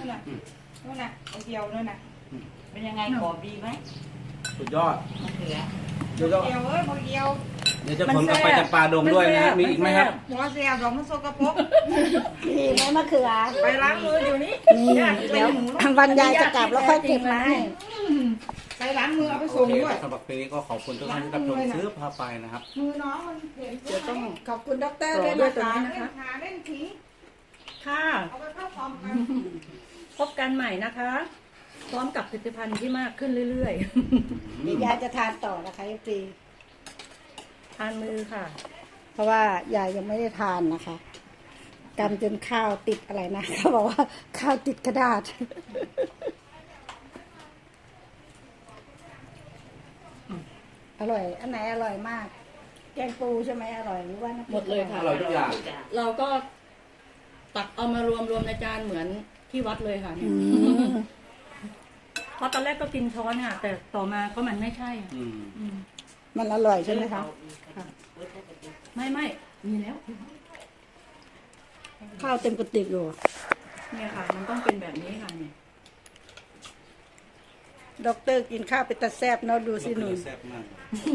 นู่นน่ะเกี่ยวนู่นน่ะเป็นยังไงกรอบดีไหมสุดยอดมะเขือเกี่ยวเอ้ยเกี่ยวเดี๋ยวจะผมกลับไปจับปลาดงด้วยนะมีอีกไหมครับหัวเสียบดอกมันโซกปรกมีไหมมะเขือไปล้างมืออยู่นี่นี่เดี๋ยววันยายจะกลับแล้วค่อยเก็บมาให้ไปล้างมือเอาไปส่งด้วยสำหรับคลิปนี้ก็ขอบคุณทุกท่านที่รับชมซื้อพาไปนะครับมือน้องมันเห็นเดี๋ยวต้องขอบคุณด็อกเตอร์ด้วยนะคะเล่นผีค่ะเอาไปเข้าฟอร์มกันพบกันใหม่นะคะพร้อมกับผลิตภัณฑ์ที่มากขึ้นเรื่อยๆเดี๋ยวยายจะทานต่อนะคะฟรีทานมือค่ะเพราะว่ายายยังไม่ได้ทานนะคะกำจนข้าวติดอะไรนะเขาบอกว่าข้าวติดกระดาษอร่อยอันไหนอร่อยมากแกงปูใช่ไหมอร่อยหรือว่าหมดเลยค่ะอร่อยทุกอย่างเราก็ตักเอามารวมในจานเหมือนที่วัดเลยค่ะเพราะตอนแรกก็กินช้อนค่ะแต่ต่อมาก็มันไม่ใช่มันอร่อยใช่ไหมคะไม่มีแล้วข้าวเต็มกระติกอยู่เนี่ยค่ะมันต้องเป็นแบบนี้ค่ะเนี่ยด็อกเตอร์กินข้าวเป็นตาแซ่บเนาะดูสิหนูแซ่บมาก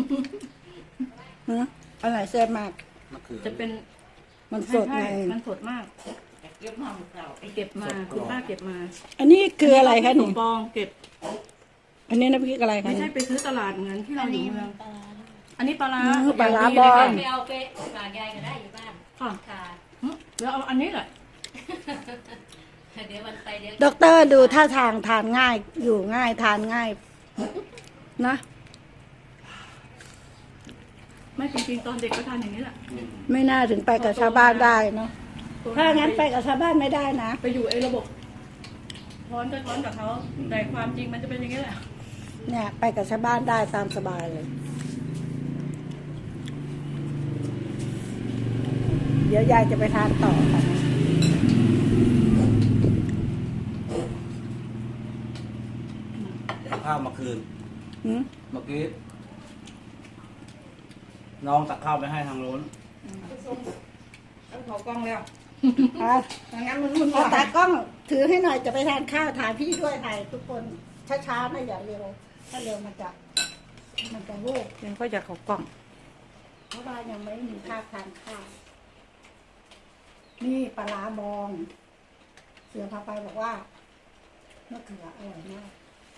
อะไรแซ่บมากจะเป็นมันสดไงมันสดมากเก็บมาคุณป้าเก็บมาอันนี้คืออะไรคะหนูปองเก็บอันนี้น้ำพริกอะไรคะไม่ใช่ไปซื้อตลาดเหมือนที่เราอยู่เมืองอันนี้ปลาร้าบอลไปเอาไปฝากยายก็ได้อยู่บ้านค่ะเดี๋ยวเอาอันนี้แหละเดี๋ยววันไปเดี๋ยวด็อกเตอร์ดูท่าทางทานง่ายอยู่ง่ายทานง่ายนะไม่จริงๆตอนเด็กก็ทานอย่างนี้แหละไม่น่าถึงไปกับชาวบ้านได้เนาะถ้างั้นไปกับชาวบ้านไม่ได้นะไปอยู่ไอ้ระบบท้อนกับเขาแต่ความจริงมันจะเป็นอย่างนี้แหละเนี่ยไปกับชาวบ้านได้ตามสบายเลยเดี๋ยวยายจะไปทานต่อค่ะข้าวมาคืนเมื่อกี้น้องตักข้าวไปให้ทางโน้นเอาเขากล้องแล้วงั้นมันตากล้องถือให้หน่อยจะไปทานข้าวถ่ายพี่ด้วยถ่ายทุกคนช้าๆนะอย่าเร็วถ้าเร็วมันจะโว้ยังก็จะเขากล้องเพราะว่ายังไม่มีภาพทานข้าวนี่ปลาร้าบองเสือพาไปบอกว่ามะเขืออร่อยมาก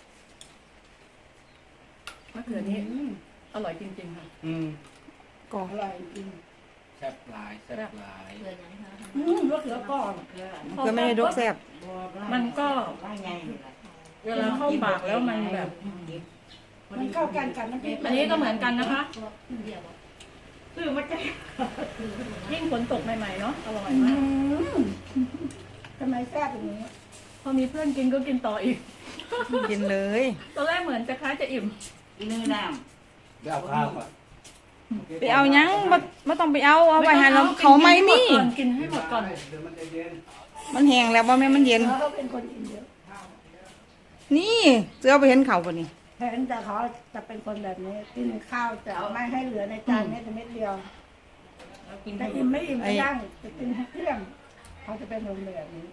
มะเขือนี้อร่อยจริงๆค่ะกรอบอร่อยจริงแซ่บหลายมะเขือก่อนก็ไม่ได้ดกแซ่บมันก็เวลาเข้าปากแล้วมันแบบมันเข้ากันน้ำพริกอันนี้ก็เหมือนกันนะคะคือมันจะยิ่งฝนตกใหม่ๆเนาะอร่อยมากทำไมแซ่บอย่างนี้พอมีเพื่อนกินก็กินต่ออีกกินเลยตอนแรกเหมือนจะคล้ายจะอิ่มเนื้อน้ำไปเอาข้าวก่อนไปเอายังไม่ต้องไปเอาไปหาเราเขาไม่มีกินให้หมดก่อนมันแห้งแล้วว่าแม่มันเย็นเขาเป็นคนกินเยอะนี่เสือไปเห็นเขาป่ะนี่เห็นแต่เขาจะเป็นคนแบบนี้กินข้าวจะไม่ให้เหลือในจานเม็ดเดียวแต่อิ่มไม่อิ่มก็ย่างจะกินเครื่องเขาจะเป็นแบบนี้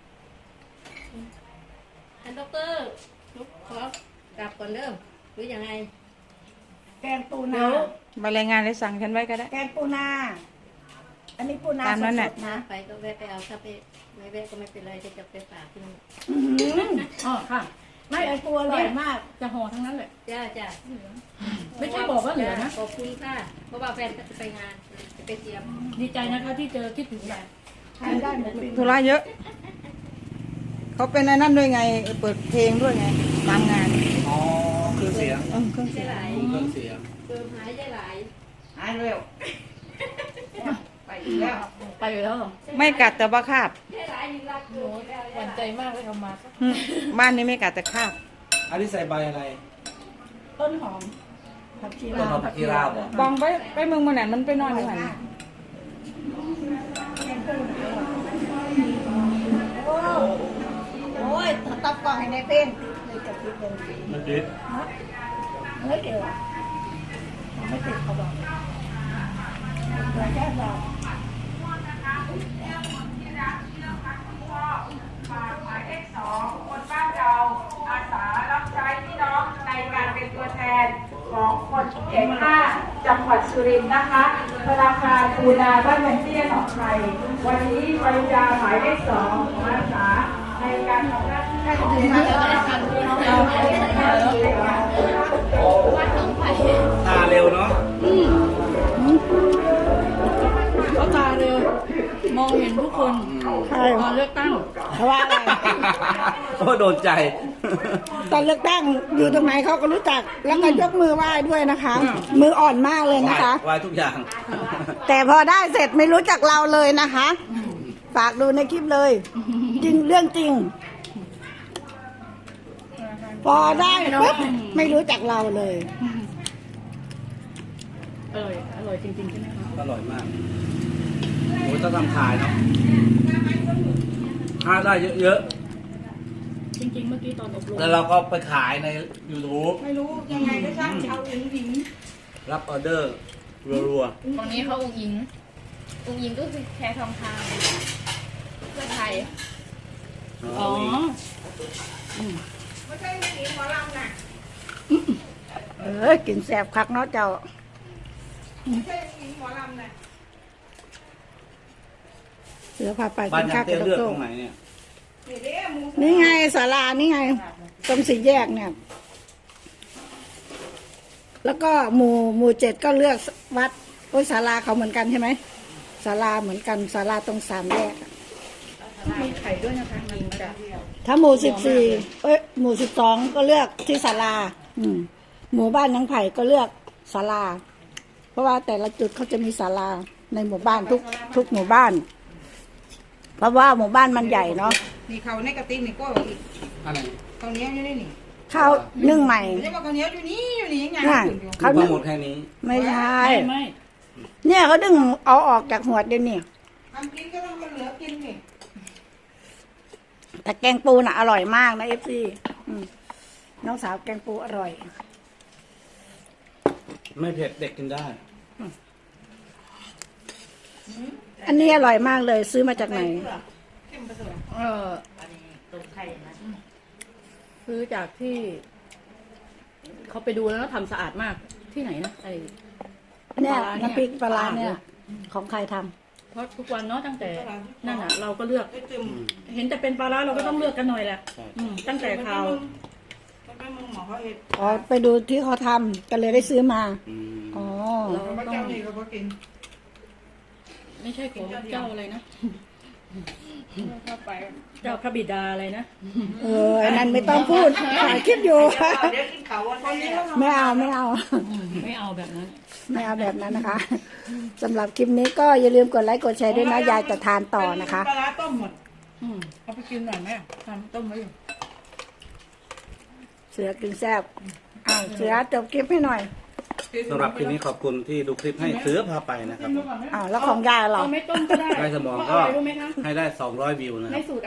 ท่านด็อกเตอร์ขอกลับก่อนเริ่มหรือยังไงแกงปูนามารายงานเลยสั่งฉันไว้ก็ได้แกงปูนาอันนี้ปูนาตามนั้นแหละนะไปก็แวะไปเอาถ้าไปไม่แวะก็ไม่เป็นไรจะไปฝากที่นู่นอ๋อค่ะไม่ไอ้ปูอร่อยมากจะห่อทั้งนั้นเลยจ้าไม่ใช่บอกว่าเหลือนะขอบคุณค่ะเพราะว่าแฟนจะไปงานจะไปเตรียมดีใจนะคะที่เจอคิดถึงยายทานได้หมดธุระเยอะเขาเป็นนั่นด้วยไงเปิดเพลงด้วยไงตามงานอ๋อเครื่องเสียงเครื่องเสียงเติมหายใจไหลหายเร็วไปอีกแล้วไม่กัดแต่ว่าคาบหวั่นใจมากเลยเอามาบ้านนี้ไม่กัดแต่คาบอันนี้ใส่ใบอะไรต้นหอมผักชีลาวบองไปเมืองมันไหนมันไปนอนอยู่ไหนโอ้ยตับกล่องให้ในเป็นเลยจะคิดเป็นมันดิบไม่เกี่ยวไม่ติดเขาบอกเราแค่เราหมายเลข 2 จังหวัดสุรินทร์นะคะธนาคารปูนาบ้านวันเตี้ยหนองไทยวันนี้ปริญญาหมายเลข2มาสาในการทำหน้าที่ให้ถึงมาแล้วค่ะตาเร็วเนาะเขาตาเร็ว มองเห็นทุกคนใช่ตอนเลือกตั้งเพราะว่าอะไรโอ้โดนใจตอนเลือกตั้งอยู่ตรงไหนเขาก็รู้จัก แล้วก็ยกมือไหว้ด้วยนะคะ มืออ่อนมากเลยนะคะไหวทุกอย่างแต่พอได้เสร็จไม่รู้จักเราเลยนะคะ ฝากดูในคลิปเลย จริงเรื่องจริง พอได้ปุ๊บไม่รู้จักเราเลยอร่อย อร่อยจริงๆใช่ไหมคะอร่อยมากโอ้ยต้องทำขายเนาะถ้าได้เยอะจริงๆ เมื่อกี้ตอนอบรมๆ แล้วเราก็ไปขายใน YouTube ไม่รู้ยังไงก็ช่างเอาหญิงรับออเดอร์รัวตรงนี้เขาองค์หญิงก็คือแคร์ทองคำเพื่อไทยๆอ๋อกินแสบคักเนาะเจ้า เสือพาไปบ้ากินนยัข้าง วเตี้กัยบเลือกโต๊ตรงไหนเนี่ยนี่ไงศาลานี่ไง ตรงสี่แยกเนี่ย แล้วก็หมู่7ก็เลือกวัดโอ้ยศาลาเขาเหมือนกันใช่ไหมศาลาเหมือนกันศาลาตรง3แยกอะมีไข่ด้วยนะคะยิงจ้ะถ้าหมู่14หมู่12ก็เลือกที่ศาลาหมู่บ้านนางไผ่ก็เลือกศาลา เพราะว่าแต่ละจุดเขาจะมีศาลาในหมู่บ้านทุกหมู่บ้าน เพราะว่าหมู่บ้านมันใหญ่เนาะนี่เขาในกระติกนี่ก็อีกอะไรข้าวเหนียวอยู่นี่นี่ข้าวนึ่งใหม่ไม่ใช่ว่าข้าวเหนียวอยู่นี่ยังไงน่ะอยู่เขาทั้นึ่งงหมดแค่นี้ไม่ใช่ไม่เนี่ยเขาดึงเอาออกจากหัวเดี๋ยวนี้ทำกินก็ต้องเหลือกินนี่แต่แกงปูน่ะอร่อยมากนะFC น้องสาวแกงปูอร่อยไม่เผ็ดเด็กกินได้อันนี้อร่อยมากเลยซื้อมาจากไหนเออซื้อจากที่เขาไปดูแล้วทำสะอาดมากที่ไหนนะไอเนี่ยปลาร้าเนี่ยน้ำพริกปลาร้าเนี่ยของใครทำเพราะทุกวันเนาะตั้งแต่นั่นอ่ะ เราก็เลือกได้จึมเห็นแต่เป็นปลาร้าเราก็ต้องเลือกกันหน่อยแหละใช่ตั้งแต่ข่าวมันเป็นมึงหมอเขาเห็ดอ๋อไปดูที่เขาทำก็เลยได้ซื้อมาอืมอ๋อเราพระต้อเจ้าง นี่เขาก็กินไม่ใช่ของเจ้าอะไรนะเจ้าพระบิดาอะไรนะอันนั้นไม่ต้องพูดถ่ายคลิปอยู่เดี๋ยวกินเขาวันนี้ไม่เอาไม่เอาแบบนั้นไม่เอาแบบนั้นนะคะสำหรับคลิปนี้ก็อย่าลืมกดไลค์กดแชร์ด้วยนะยายจะทานต่อนะคะปลาร้าต้มหมดอืมเอาไปกินหน่อยไหมทำต้มไว้อยู่เสือกินแซ่บเสือจบคลิปให้หน่อยสำหรับคลิปนี้ขอบคุณที่ดูคลิปให้เสือพาไปนะครับแล้วของยายเหรอเอาไม่ต้มก็ได้ได้สมองเพก็ราะอะไรรู้ไหมคะให้ได้200 วิวนะครับในสูตร